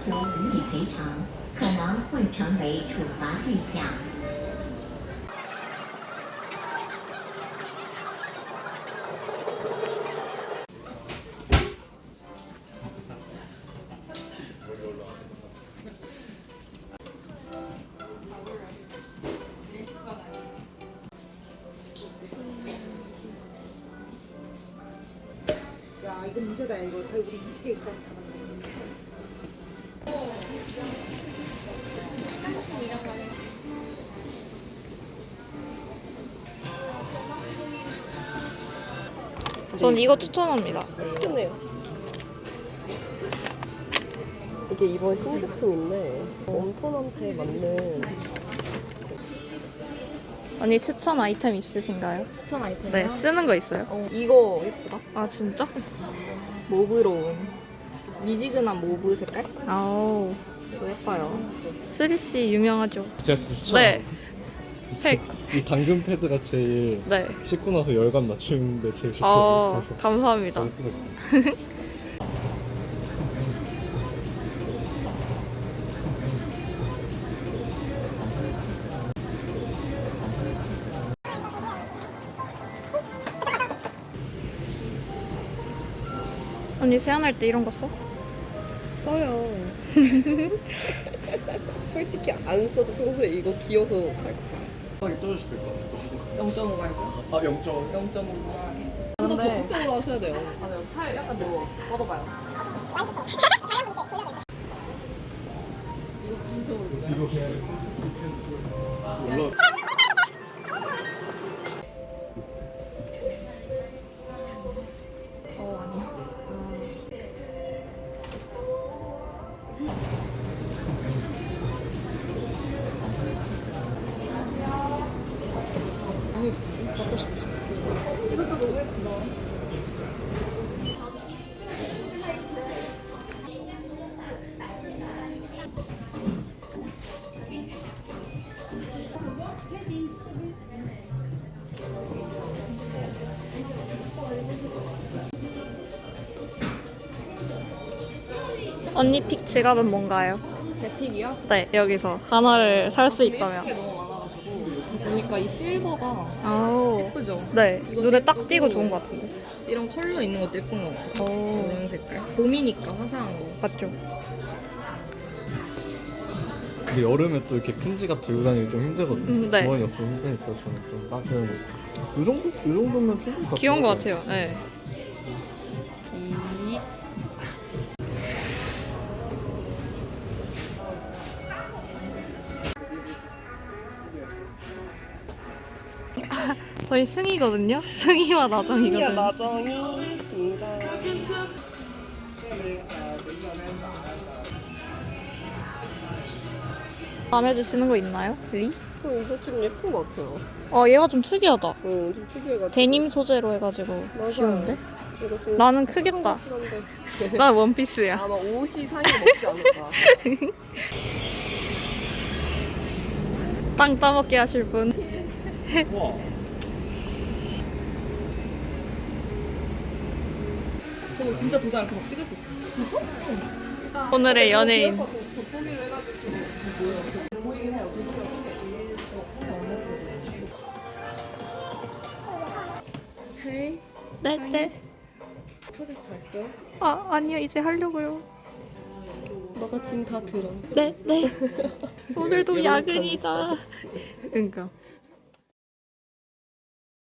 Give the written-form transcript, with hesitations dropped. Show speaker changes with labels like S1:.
S1: 求无理赔偿，可能会成为处罚对象。
S2: 야, 이거 문제다. 이거 우리 20개 있다.
S3: 전 이거 추천합니다.
S4: 추천해요. 이게 이번 신제품인데 웜톤한테 맞는
S3: 언니 추천 아이템 있으신가요?
S4: 추천 아이템이요?
S3: 네, 쓰는 거 있어요?
S4: 이거 예쁘다.
S3: 아, 진짜?
S4: 모브로 미지근한 모브 색깔?
S3: 아우,
S4: 이거 예뻐요.
S3: 3C 유명하죠?
S5: 제가 진짜 추천.
S3: 네. 팩.
S5: 이 당근 패드가 제일
S3: 네.
S5: 씻고 나서 열감 낮추는데 제일 좋거든요. 그래서
S3: 감사합니다.
S5: 많이 쓰고 있어요.
S3: 언니 세안할 때 이런 거 써?
S4: 써요. 솔직히 안 써도 평소에 이거 귀여워서 살 것 같아.
S5: 편하게 쪄주실 것 같아요.
S4: 0.5 말고
S5: 아 0점.
S4: 0.5 무난하게. 좀 더 적극적으로 하셔야 돼요. 맞아요. 살 약간 더 뻗어봐요.
S5: 이거 그냥 올라.
S4: 아니야. 먹고 싶다. 이것도 너무 예쁘다.
S3: 언니 픽 지갑은 뭔가요?
S4: 제 픽이요?
S3: 네, 여기서 하나를 살 수 있다면.
S4: 예쁜 게 너무 많아가지고 보니까 이 실버가
S3: 아우,
S4: 예쁘죠?
S3: 네.
S4: 이것도
S3: 눈에 딱
S4: 예쁘고
S3: 띄고 좋은 것 같은데.
S4: 이런 컬러 있는 것도 예쁜 것 같아요.
S3: 오,
S4: 이런 색깔. 봄이니까 화사한 거.
S3: 맞죠?
S5: 근데 여름에 또 이렇게 큰 지갑 들고 다니기 좀 힘들거든요.
S3: 네.
S5: 주머니 없으면 힘드니까 저는 좀 따뜻한 이 정도면 충분히 다
S3: 귀여운 것
S5: 들어가요.
S3: 같아요. 네. 저희 승희거든요. 승희와 나정이거든요.
S4: 나정이 등장.
S3: 마음에 드시는 거 있나요? 리?
S4: 이거 좀 예쁜 것 같아요.
S3: 얘가 좀 특이하다.
S4: 좀 특이해가지고.
S3: 데님 소재로 해가지고
S4: 맞아요.
S3: 귀여운데?
S4: 이거 좀
S3: 나는 크겠다.
S4: 한데
S3: 난 원피스야.
S4: 아마 옷이 상의 먹지 않을까.
S3: 빵 따먹게 하실 분.
S5: 우와.
S4: 저거 진짜 도장 이렇게 막 찍을 수 있어.
S3: 오늘의 연예인.
S4: 돋보기를 해가지고 보이긴 해요. 헤이.
S3: 네.
S4: 프로젝트 다 했어요?
S3: 아니요. 이제 하려고요.
S4: 너가 짐 다 들어.
S3: 네. 오늘도 야근이다. 그러니까.